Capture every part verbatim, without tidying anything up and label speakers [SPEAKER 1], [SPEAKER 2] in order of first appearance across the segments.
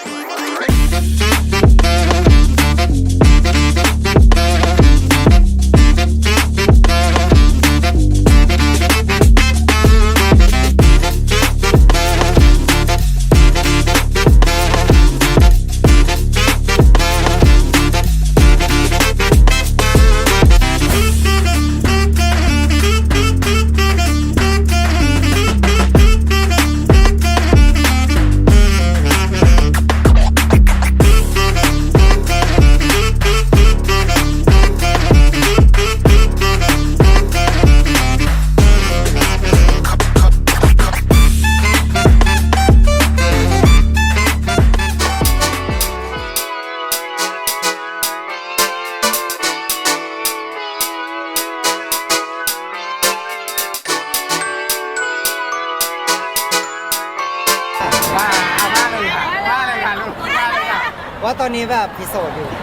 [SPEAKER 1] ว่าตอนนี้แบบพิโสดอยู่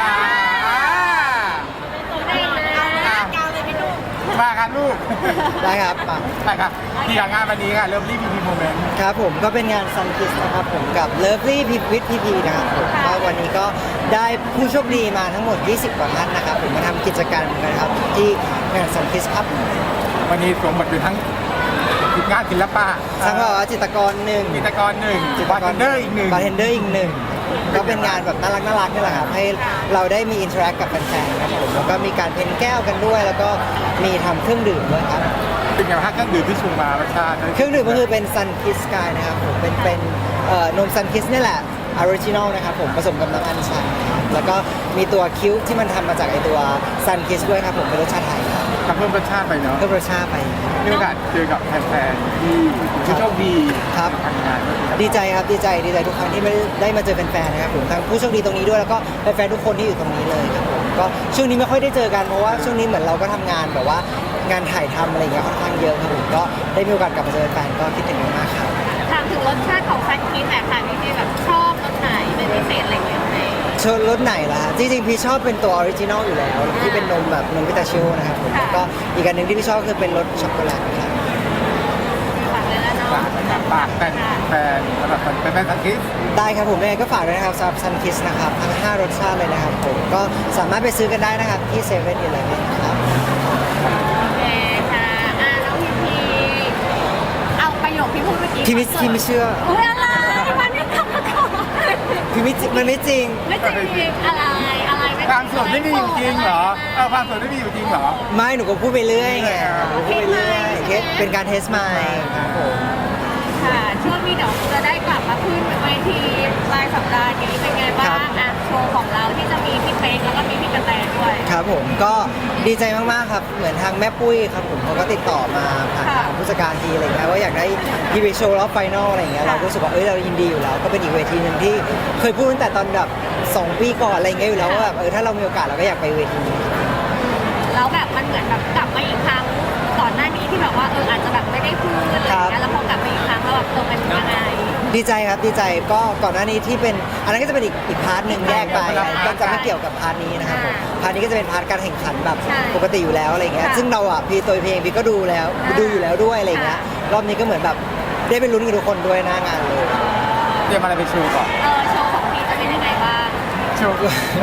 [SPEAKER 2] มาครับลูก
[SPEAKER 1] ได้ครับมา
[SPEAKER 2] ได้ครับที่งานวันนี้ค่ะเริ่มรีพีพีโมเมนต์
[SPEAKER 1] ครับผมก็เป็นงานซันคิสนะครับผมกับเลิฟลี่พีวิทพีพีนะครับผมก็วันนี้ก็ได้ผู้โชคดีมาทั้งหมดยี่สิบกว่าท่านนะครับผมมาทำกิจกรรมกันครับที่งานซันคิสครับ
[SPEAKER 2] วันนี้สวมบทเป็นทั้งงานศิลปะ
[SPEAKER 1] ทั้งว่าจิตรกรหนึ่ง
[SPEAKER 2] จิตรกรหนึ่งบาร์เทนเดอร์อีกหนึ่ง
[SPEAKER 1] บาร์เทนเดอร์อีกหนึ่งก็เป็นงานแบบน่ารักน่ารักนี่แหละครับให้เราได้มีอินเทอร์แอคกับแฟนๆครับผมแล้วก็มีการเพ้นแก้วกันด้วยแล้วก็มีทำเครื่องดื่มด้วยครับ
[SPEAKER 2] เป็นอย่างไรเครื่องดื่มที่ชูมารสชาติ
[SPEAKER 1] เครื่องดื่มก็คือเป็นซันคิสกายนะครับผมเป็นเป็นนมซันคิสนี่แหละออริจินอลนะครับผมผสมกับน้ำอัญชันแล้วก็มีตัวคิ้วที่มันทำมาจากไอตัวซันคิสด้วยครับผมเป็นรสชาติไทย
[SPEAKER 2] ครับเพิ่มรสชาติไปเนาะ
[SPEAKER 1] เพิ่มรสชาติไป
[SPEAKER 2] มีโอกาสเจอกับแฟนๆที่ผู้โชคดี
[SPEAKER 1] ครับ
[SPEAKER 2] ทำงาน
[SPEAKER 1] ดีใจครับดีใจดีใจทุกครั้งที่ได้มาเจอแฟนๆนะครับผมทั้งผู้โชคดีตรงนี้ด้วยแล้วก็แฟนๆทุกคนที่อยู่ตรงนี้เลยครับผมก็ช่วงนี้ไม่ค่อยได้เจอกันเพราะว่าช่วงนี้เหมือนเราก็ทำงานแบบว่างานถ่ายทำอะไรอย่างเงี้ยค่อนข้างเยอะครับผมก็ได้มีโอกาสกลับมาเจอแฟนๆก็คิดถึงมากครับ
[SPEAKER 3] ถามถึงรสชาติของซันคิสหน่อยค่ะพี่แบบชอบรสไหนเป็นพิเศษอะไรอย่างเงี้ยไหม
[SPEAKER 1] ชอบรสไหนล่ะจริงๆพี่ชอบเป็นตัวออริจินอลอยู่แล้วที่เป็นนมแบบนมพิตาชิโอนะครับผมแล้วก็อีกอันหนึ่งที่พี่ชอบคือเป็นรสช็อกโกแลตครับ
[SPEAKER 3] ฝากเลยแล้วเนาะ
[SPEAKER 2] ฝากแฟนแฟนสำหรับแฟนแฟนซันคิส
[SPEAKER 1] ได้ครับผมยังไงก็ฝากด้วยนะครับสำหรับซันคิสนะครับทั้งห้ารสชาติเลยนะครับผมก็สามารถไปซื้อกันได้นะครับที่เซเว่นอีเลฟเว่นครับ
[SPEAKER 3] โอเคค่ะอ่าน้องพีพีเอาประโยคที่พูดเมื่อกี้
[SPEAKER 1] พี่ไม่พี่ไม่เชื่อ
[SPEAKER 3] โอ้ยอะไรมันไม่ทำมาก่อน
[SPEAKER 1] พี่ไม่มันไม่จริง
[SPEAKER 3] ไม่จริงอะไรอะไร
[SPEAKER 2] ความสดไม่มีอยู่จริงเหรอเออความสดไม่มีอยู่จริงเหรอ
[SPEAKER 1] ไม่หนูก็พูดไปเรื่อยไงพูดไปเรื่อยเทสเป็นการเทสไมค์ครับผม
[SPEAKER 3] ค่ะช่วงนี้เดี๋ยวจะได้กลับมาขึ้นเวทีปลายสัปดาห์นี้เป็นไงบ้างอ่ะโชว์ของเราที่จะมีพี่เป๊กแล้วก็มีพี่กระแตด้วย
[SPEAKER 1] ครับผมก็ดีใจมากๆครับเหมือนทางแม่ปุ้ยครับผมเขาก็ติดต่อมาผ่านทางผู้จัดการทีอะไรเงี้ยว่าอยากได้พี่ไปโชว์รอบไฟนอลอะไรเงี้ยเราก็รู้สึกว่าเอ้ยเรายินดีอยู่แล้วก็เป็นอีกเวทีนึงที่เคยพูดตั้งแต่ตอนแบบสองปีก่อนอะไรเงี้ยอยู่แล้วว่าแบบเออถ้าเรามีโอกาสเราก็อยากไปเวทีนี้
[SPEAKER 3] แล้วแบบมันเหมือนแบบกลับมาอีกครั้งก่อนหน้านี้ที่แบบว่าเอออาจจะแบบไม่ได้พูดอะไรอย่างเงี้ยแล้วพอกลับมาอีกครั้งแล้วแบบเออเป็นยังไง
[SPEAKER 1] ดีใจครับดีใจก็ก่อนหน้านี้ที่เป็นอันนั้นก็จะเป็นอีกอีกพาร์ทหนึ่งแยกไปก็จะไม่เกี่ยวกับพาร์ทนี้นะครับผมพาร์ทนี้ก็จะเป็นพาร์ทการแข่งขันแบบปกติอยู่แล้วอะไรเงี้ยซึ่งเราอ่ะพี่ตัวเพลงพี่ก็ดูแล้วดูอยู่แล้วด้วยอะไรเงี้ยรอบนี้ก็เหมือนแบบได้ไปลุ้นกับทุกคนด้วยหน้างานเลย
[SPEAKER 2] เตรียมอะไรไปโชว์ก่อน
[SPEAKER 3] เออโชว์ของพี่จะเป็นยังไงบ้าง
[SPEAKER 1] โชว์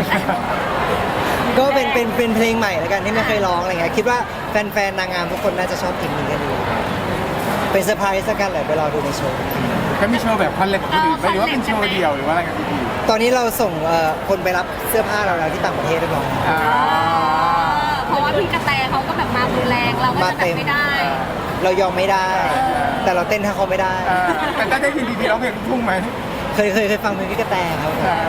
[SPEAKER 1] ก็เป็นเป็นเป็นเพลงใหม่แล้วกันที่ไม่เคยร้องอะไรเงี้ยคิดว่าแฟนๆนางงามทุกคนน่าจะชอบเพลงนี้กันดีเป็นเซอร์ไพรส์กันเลยไปรอดูในโชว์
[SPEAKER 2] ก็มีโชว์แบบคอนเล็กหรือหรือว่าเป็นโชว์เดียวหรือว่าอะไรกันพี่
[SPEAKER 1] ตอนนี้เราส่งคนไปรับเสื้อผ้าเราแล้วที่ต่างประเทศเรียบร้อย
[SPEAKER 3] เพราะว่าพี่กระแตเขาก็แบบมาดูแรงเราก็จะแบบไม่ได้
[SPEAKER 1] เรายอมไม่ได้แต่เราเต้นถ้าเขาไม่ได้
[SPEAKER 2] แต่ได้ยินดีๆร้องเพลงทุ่งไหม
[SPEAKER 1] เคยเคยเคยฟังเพลงพี่กระแตครับ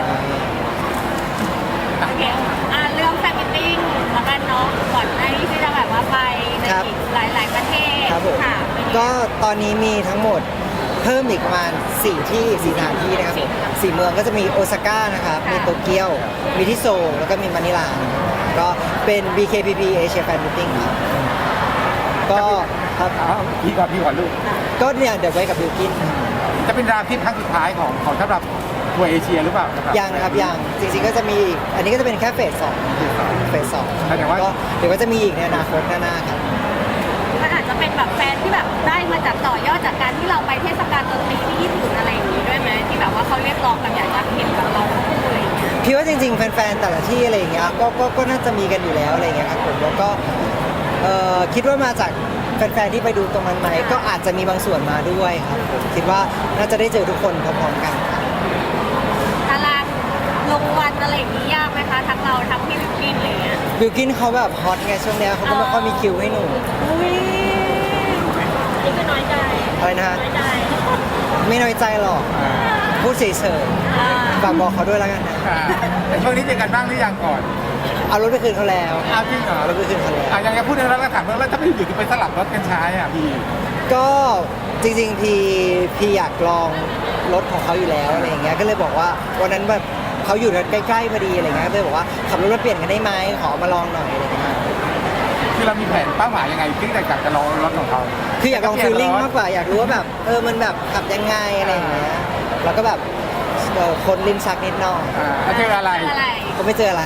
[SPEAKER 3] โอเคอ่าเรื่องแฟนมิทติ้งแล้วกันเนาะก่อนหน้านี้ที่จะแบบว่าไปในอีกหลายๆประเทศ
[SPEAKER 1] ค่ะก็ตอนนี้มีทั้งหมดเพิ่มอีกประมาณสี่ที่สี่สถานที่นะครับสี่เมืองก็จะมีโอซาก้านะครับมีโตเกียวมีที่โซลแล้วก็มีมะนิลาก็เป็น บี เค พี พี Asia Fan Meeting ครับก็
[SPEAKER 2] ครับพี่ก่อนพี่ก่อนลูก
[SPEAKER 1] ก็เนี่ยเดี๋ยวไว้กับบิลกิน
[SPEAKER 2] จะเป็นรามที่ครั้งสุดท้ายของของสำหรับทัวร์เอเชียหรือเปล่า
[SPEAKER 1] ยังนะครับยังจริงๆก็จะมีอันนี้ก็จะเป็นแค่เฟสสองเฟสสองก็เดี๋ยวก็จะมีอีกในอนาคตหน้าๆครับ
[SPEAKER 3] มันอาจจะเป็นแบบแฟนที่แบบได้มาจากต่อยอดจากการที่เราไปเทศกาลดนตรีที่ญี่ปุ่นอะไรอย่างนี้ด้วยไหมที่ที่แบบว่าเขาเรียกร้องแบบอยากจะเห็นกับเราคู่อะไรอย่างเงี้ย
[SPEAKER 1] พี่ว่าจริงๆแฟนๆแต่ละที่อะไรอย่างเงี้ยก็ก็ก็น่าจะมีกันอยู่แล้วอะไรอย่างเงี้ยครับผมแล้วก็เอ่อคิดว่ามาจากแฟนๆที่ไปดูตรงนั้นไหมก็อาจจะมีบางส่วนมาด้วยครับผมคิดว่าน่าจะได้เจอทุกคนพร้อมๆกันครับ
[SPEAKER 3] ตารางลงวันอะไรอย่างนี้ยากไหมคะทั้งเราทั้งพี่วิกกี้อะไรอย่างเงี้ย
[SPEAKER 1] บิวกินเขาแบบฮอตไงช่วงเนี้ยเขาก็ไม่ค่อยมีคิวให้หนู
[SPEAKER 3] อุ้ยนี่ก็น้อยใจ
[SPEAKER 1] อะไรนะฮะ
[SPEAKER 3] น้อยใจ
[SPEAKER 1] ไม่น้อยใจหรอกพูดเฉย
[SPEAKER 3] อ่า
[SPEAKER 1] ๆฝากบอกเขาด้วยแล้วกันนะ
[SPEAKER 2] อ่าแต่ช่วงนี้เจอกันบ้างหรือยังก่อน
[SPEAKER 1] เอารถไปคืนเขาแล้ว
[SPEAKER 2] เอาจริงเหรอ
[SPEAKER 1] เอารถไปคืนเขาแล้ว
[SPEAKER 2] อ่ะยังจะพูดในเรื่องแล้วถามว่าแล้วถ้าไม่อยู่จะไปสลับรถกันใช้อ่ะพี่
[SPEAKER 1] ก็จริงๆพี่พี่อยากลองรถของเขาอยู่แล้วอะไรอย่างเงี้ยก็เลยบอกว่าวันนั้นแบบเขาอยู่ใกล้ๆพอดีอะไรเงี้ยก็เลยบอกว่าขับรถมาเปลี่ยนกันได้ไหมขอมาลองหน่อยอะไรเงี้ย
[SPEAKER 2] คือเรามีแผนเป้าหมายยังไงที่จะจะลองรถของเขา
[SPEAKER 1] คืออยากลองฟีลลิ่งมากกว่าอยากรู้ว่าแบบเออมันแบบขับยังไงอะไรอย่างเงี้ยแล้วก็แบบเออคนลิ้นชักนิดหน่อย
[SPEAKER 2] อ่าแล้วเจออะไร
[SPEAKER 3] อะไร
[SPEAKER 1] ก็ไม่เจออะไร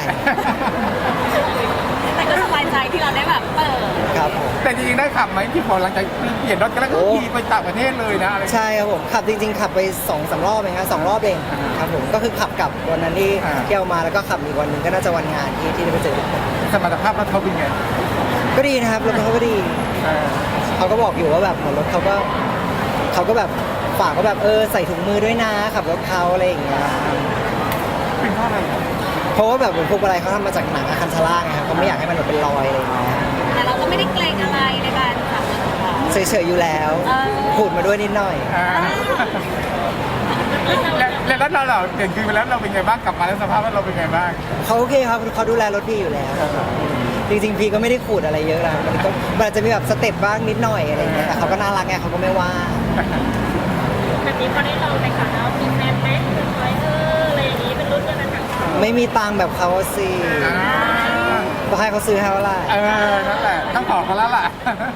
[SPEAKER 3] แต่ก็สบายใจที่เราได้แบบเปิด
[SPEAKER 1] ครับผม
[SPEAKER 2] แต่จริงๆได้ขับไหมที่พอหลังจากเปลี่ยนรถกันแล้วก็
[SPEAKER 1] โอ้
[SPEAKER 2] ขี่ไปต่างประเทศเลยนะอะไร
[SPEAKER 1] ใช่ครับผมขับจริงๆ ขับไปสองสามรอบเองครับสองรอบเอง
[SPEAKER 2] อ่า
[SPEAKER 1] ครับผมก็คือขับกลับวันนั้นที่
[SPEAKER 2] อ่า
[SPEAKER 1] เที่ยวมาแล้วก็ขับอีกวันหนึ่งก็น่าจะวันงานที่ที่ได้ไปเจอทุกคน
[SPEAKER 2] สมรรถภาพรถเขาเป็นไง
[SPEAKER 1] ก็ดีนะครับรถเขาก็ดี
[SPEAKER 2] เออ
[SPEAKER 1] เขาก็บอกอยู่ว่าแบบเหมือนรถเขาก็เขาก็แบบฝากว่าแบบเออใส่ถุงมือด้วยนะขับรถเขาอะไรอย่างเงี้ย
[SPEAKER 2] เป็นเพราะอะไร
[SPEAKER 1] เพราะว่าแบบเหมือนพวกอะไรเขาทำมาจากหนังอาคันชาร่าไงครับเขาไม่อยากให้มันแบบเป็นรอยอะไรอย่างเงี้ย
[SPEAKER 3] แต่เราก็ไม่ได้เกรงอะไรในการขับรถของเรา
[SPEAKER 1] เฉยๆอยู่แล้ว
[SPEAKER 3] เออ
[SPEAKER 1] พูดมาด้วยนิดหน่อย
[SPEAKER 2] อ่าแล้วแล้วแล้วเราเราเปลี่ยนคืนไปแล้วเราเป็นไงบ้างกลับมาแล้วสภาพว่าเราเป็นไงบ้าง
[SPEAKER 1] เขาโอเคครับเขาดูแลรถพี่อยู่แล้ว จริงๆพี่ก็ไม่ได้ขูดอะไรเยอะนะมันก็มันอาจจะมีแบบสเต็ปบ้างนิดหน่อยอะไรอย่างเงี้ยแต่เขาก็น่ารักไงเขาก็ไม่ว่า
[SPEAKER 3] แบบนี้พอได้ลองไปขับแล้วมีแฟนไหมเป็นไฟเอออะไรอย่างนี้เป็นรุ่นกันนะครับ
[SPEAKER 1] ไม่มีตังค์แบบเขาสิ
[SPEAKER 2] อ่า
[SPEAKER 1] ต้องให้เขาซื้อให้เท่าไหร่
[SPEAKER 2] เออนั่นแหละต้องบอกเขาแล้วล่ะ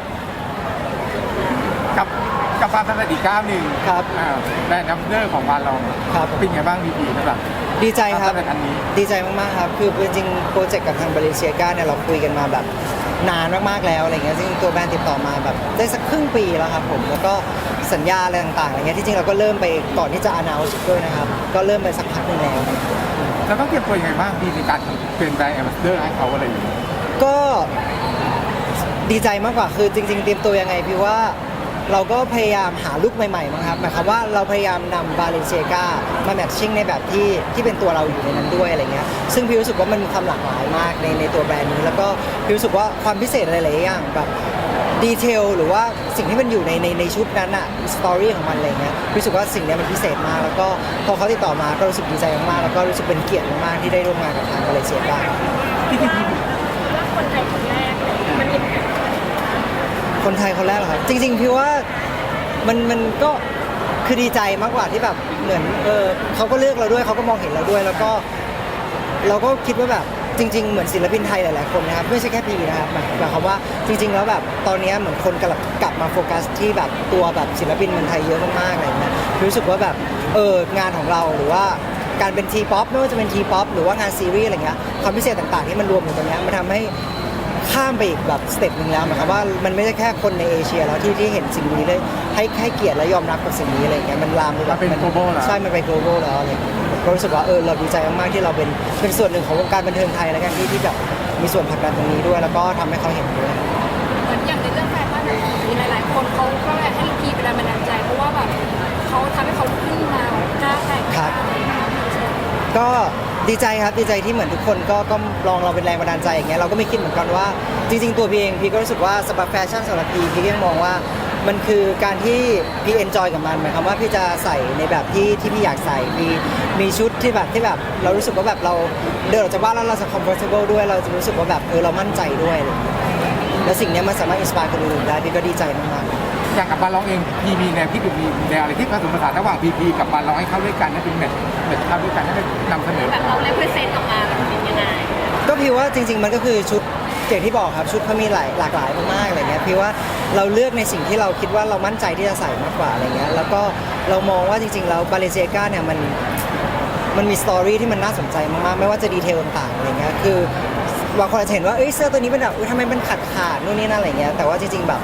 [SPEAKER 2] กับกับความสำเร็จอีกก้าวหนึ่ง
[SPEAKER 1] ครับ
[SPEAKER 2] อ่าแบรนด์นัมเบอร์ของบานลอง
[SPEAKER 1] ครับ
[SPEAKER 2] เป็นไงบ้างพี่พีสำหรับ
[SPEAKER 1] ดีใจครับ
[SPEAKER 2] ความสำเร็จอันนี้
[SPEAKER 1] ดีใจมากๆครับ คือจริงๆโปรเจกต์กับทางบริเซียกาเนี่ยเราคุยกันมาแบบนานมากๆแล้วอะไรเงี้ยซึ่งตัวแบรนด์ติดต่อมาแบบได้สักครึ่งปีแล้วครับผม แล้วก็สัญญาอะไรต่างๆอะไรเงี้ยที่จริงเราก็เริ่มไปก่อนที่จะ announce ด้วยนะครับ ก็เริ่มไปสักพักหนึงแล้ว
[SPEAKER 2] เราต้องเตรียมตัวยังไงบ้างพี่ในการเป็นแบรนด์แอมบาสเดอร์ให้เขาอะไรอย่างเงี้ย
[SPEAKER 1] ก็ดีใจมากกว่าคือจริง ๆ เตรียมตัวยังไงพี่ว่าเราก็พยายามหาลุคใหม่ๆมั้งครับหมายความว่าเราพยายามนำบาเลนเซียกามาแมทชิ่งในแบบที่ที่เป็นตัวเราอยู่ในนั้นด้วยอะไรเงี้ยซึ่งพี่รู้สึกว่ามันมีความหลากหลายมากในในตัวแบรนด์นี้แล้วก็พี่รู้สึกว่าความพิเศษหลายๆอย่างแบบดีเทลหรือว่าสิ่งที่มันอยู่ในในในชุดนั้นอะสตอรี่ของมันอะไรเงี้ยพี่รู้สึกว่าสิ่งเนี้ยมันพิเศษมากแล้วก็พอเขาติดต่อมาก็รู้สึกดีใจมากๆแล้วก็รู้สึกเป็นเกียรติมากๆที่ได้ร่วมงานกับทางบาเลนเซียกา
[SPEAKER 2] ที่ที่พี่
[SPEAKER 3] ว่าคนไทยคนแรกเลยมันอิมแพค
[SPEAKER 1] คนไทยคนแรกเหรอครับจริงๆพี่ว่ามันมันก็คือดีใจมากกว่าที่แบบเหมือนเออเขาก็เลือกเราด้วยเขาก็มองเห็นเราด้วย แล้วก็เราก็คิดว่าแบบจริง ๆ เหมือนศิลปินไทยหลายๆคนนะครับไม่ใช่แค่พีนะครับหมายหมายความว่าจริง ๆ แล้วแบบตอนนี้เหมือนคนกลับกลับมาโฟกัสที่แบบตัวแบบศิลปินเมืองไทยเยอะมากๆอะไรอย่างเงี้ยรู้สึกว่าแบบเอองานของเราหรือว่าการเป็นทีป๊อปไม่ว่าจะเป็นทีป๊อปหรือว่างานซีรีส์อะไรเงี้ยความพิเศษต่างๆที่มันรวมอยู่ตรงเนี้ยมันทำให้ ข้ามไปอีกแบบสเต็ปหนึ่งแล้วหมายความว่ามันไม่ใช่แค่คนในเอเชียแล้วที่ที่เห็นสิ่งนี้เลยให้ให้เกียรติและยอมรับกับสิ่งนี้อะไรอย่างเงี้ยมันลามไปแบบ
[SPEAKER 2] มันเป็น global แล้ว
[SPEAKER 1] ใช่มันไป global แล้วอะไรอย่างเงี้ยก็รู้สึกว่าเออเราดีใจมากๆที่เราเป็นเป็นส่วนหนึ่งของวงการบันเทิงไทยแล้วกันที่ที่แบบมีส่วนผลักดันตรงนี้ด้วย แล้วก็ทำให้เขาเห็นด้วย
[SPEAKER 3] เหมือนอย่างในเรื่องแฟชั่นแบบมีหลายๆ คนเขาก็แบบให้พีเป็นแรงบันดาลใจเพราะว่าแบบเขาทำให้เขาขึ้นมากล้าแต่ง
[SPEAKER 1] ครับ ก็ดีใจครับดีใจที่เหมือนทุกคนก็ก็ลองเราเป็นแรงบันดาลใจอย่างเงี้ยเราก็ไม่คิดเหมือนกันว่าจริง ๆ ตัวพี่เองพี่ก็รู้สึกว่าสำหรับแฟชั่นสำหรับพี่พี่ก็ยังมองว่ามันคือการที่พี่เอนจอยกับมันหมายความว่าพี่จะใส่ในแบบที่ที่พี่อยากใส่มีมีชุดที่แบบที่แบบเรารู้สึกว่าแบบเราเดินออกจากบ้านแล้วเราจะ comfortable ด้วยเราจะรู้สึกว่าแบบเออเรามั่นใจด้วยอะไรอย่างเงี้ยแล้วสิ่งเนี้ยมันสามารถอินสปายคนอื่นได้พี่ก็ดีใจมากๆ
[SPEAKER 2] อย่างกับบานลองเองพีมีแนวคิดหรือมีแนวอะไรที่ผสมผสานระหว่างพีพีกับบานลองให้เข้าด้วยกันให้เป็นแบบแบบเข้าด้วยกันให้ได้นำเสนอ
[SPEAKER 3] แบบเราเลเวอเรนต์ออกมาแบบเป็นยังไง
[SPEAKER 1] ก็พี่ว่าจริง ๆ มันก็คือชุดอย่างที่บอกครับชุดเขามีหลายหลากหลายมากๆอะไรเงี้ยพี่ว่าเราเลือกในสิ่งที่เราคิดว่าเรามั่นใจที่จะใส่มากกว่าอะไรเงี้ยแล้วก็เรามองว่าจริงๆแล้วบาเลเซียกาเนี่ยมันมันมีสตอรี่ที่มันน่าสนใจมากๆไม่ว่าจะดีเทลต่างๆอะไรเงี้ยคือบางคนอาจจะเห็นว่าเอ้ยเสื้อตัวนี้เป็นแบบอุ๊ยทำไมมันขาดขาดๆนู่นนี่นั่นอะไรเงี้ยแต่ว่าจริงๆแบบ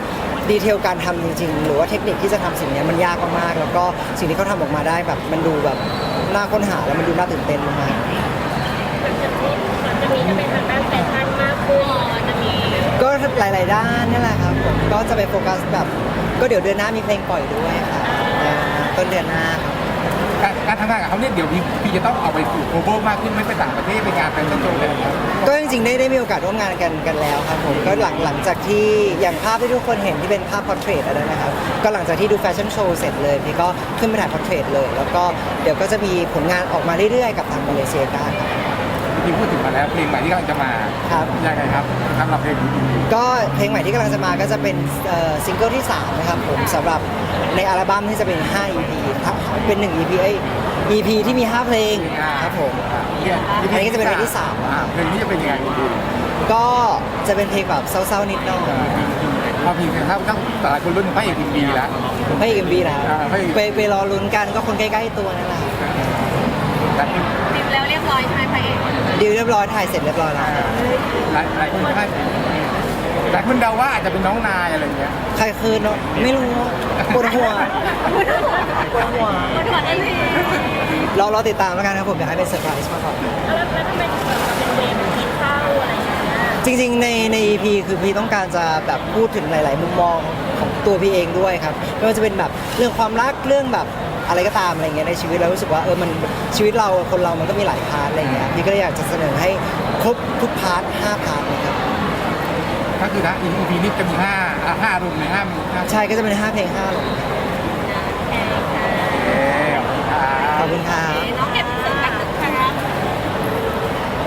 [SPEAKER 1] ดีเทลการทำจริงๆ หรือว่าเทคนิคที่จะทำสิ่งเนี้ยมันยากมากๆแล้วก็สิ่งที่เขาทำออกมาได้แบบมันดูแบบน่าค้นหาแล้วมันดูน่าตื่นเต้นมาก
[SPEAKER 3] จะมีจะเป็นทางด้านแฟชั่นมากขึ้นจะมี
[SPEAKER 1] ๆก็หลายๆด้านนี่แหละครับผมก็จะไปโฟกัสแบบก็เดี๋ยวเดือนหน้ามีเพลงปล่อยด้วยค่ะอ่าต้นเดือนหน้าครับ
[SPEAKER 2] การการทำงานกับเขาเนี่ยเดี๋ยวพี่พี่จะต้องเอาไปสู่โกลบอลมากขึ้นไม่ไปต่างประเทศไปงานแฟชั่นโชว์อะไรอย่างเงี้ย
[SPEAKER 1] ก็จริงๆได้ได้มีโอกาสร่วมงานกันกันแล้วครับผมก็หลังหลังจากที่อย่างภาพที่ทุกคนเห็นที่เป็นภาพพอร์เทรตอะไรนะครับก็หลังจากที่ดูแฟชั่นโชว์เสร็จเลยพี่ก็ขึ้นไปถ่ายพอร์เทรตเลย แล้วก็เดี๋ยวก็จะมีผลงานออกมาเรื่อยๆกับทางมาเลเซียกันครับ
[SPEAKER 2] พี่พูดถึงมาแล้วเพลงใหม่ที่กำลังจะมา
[SPEAKER 1] ครับ
[SPEAKER 2] ยังไงครับสำหรับเพลงนี้
[SPEAKER 1] ก็เพลงใหม่ที่กำลังจะมาก็จะเป็นเอ่อซิงเกิลที่สามนะครับผมสำหรับในอัลบั้มที่จะเป็นห้า อี พี ครับเป็นหนึ่ง อี พี เอ้ย อี พี ที่มีห้าเพลงครับผม
[SPEAKER 2] เนี่ย
[SPEAKER 1] อันนี้ก็จะเป็นเพลงที่สาม
[SPEAKER 2] อ่เพลงนี้จะเป็นยังไงดี
[SPEAKER 1] ก็จะเป็นเพลงแบบเศร้าๆนิดหน่อย
[SPEAKER 2] พอเพลงถ้าถ้าแต่ละคนรุ่นพระเอกทีวีแล้ว
[SPEAKER 1] ไม่เอ็มบีนะ
[SPEAKER 2] อ่าไม่
[SPEAKER 1] ไปไปรอลุ้นกันก็คนใกล้ๆตัวนั่นแหละครับ
[SPEAKER 2] แต่คน
[SPEAKER 3] ติดแล้วเรียบร้อยใช่ไหมพระเอก
[SPEAKER 1] ดีลเรียบร้อยถ่ายเสร็จเรียบร้อยแล้ว
[SPEAKER 2] หลายหลายคนคาดหลายคนเดาว่าอาจจะเป็นน้องนายอะไรเงี้ย
[SPEAKER 1] ใครคืนเนาะไม่รู้ปวดหัวปวดหัว
[SPEAKER 3] คนหัวได้ที
[SPEAKER 1] เราเราติดตามแล้วกันครับผมอยากให้เป็นเซอร์ไพรส์มากกว่า
[SPEAKER 3] แล้วแล้วทำไมถึงแบบเป็นเวรกินข้าวอะไรอย่างเงี้ย
[SPEAKER 1] จริงๆ ในใน อี พี คือพี่ต้องการจะแบบพูดถึงหลาย ๆ มุมมองของตัวพี่เองด้วยครับไม่ว่าจะเป็นแบบเรื่องความรักเรื่องแบบอะไรก็ตามอะไรเงี้ยในชีวิตเรารู้สึกว่าเออมันชีวิตเราคนเรามันก็มีหลายพาร์ทอะไรเงี้ยพี่ก็เลยอยากจะเสนอให้ครบทุกพาร์ทห้าพาร์ทเลยครับ
[SPEAKER 2] ก็คือนะ อี พีนี้จะมีห้าอ่ะห้ารุ่นในห้ามีห้า
[SPEAKER 1] ใช่ก็จะเป็นห้าเพลงห้าเลย
[SPEAKER 2] เอ๊ะ
[SPEAKER 1] ขอบคุณครับ
[SPEAKER 3] น้อง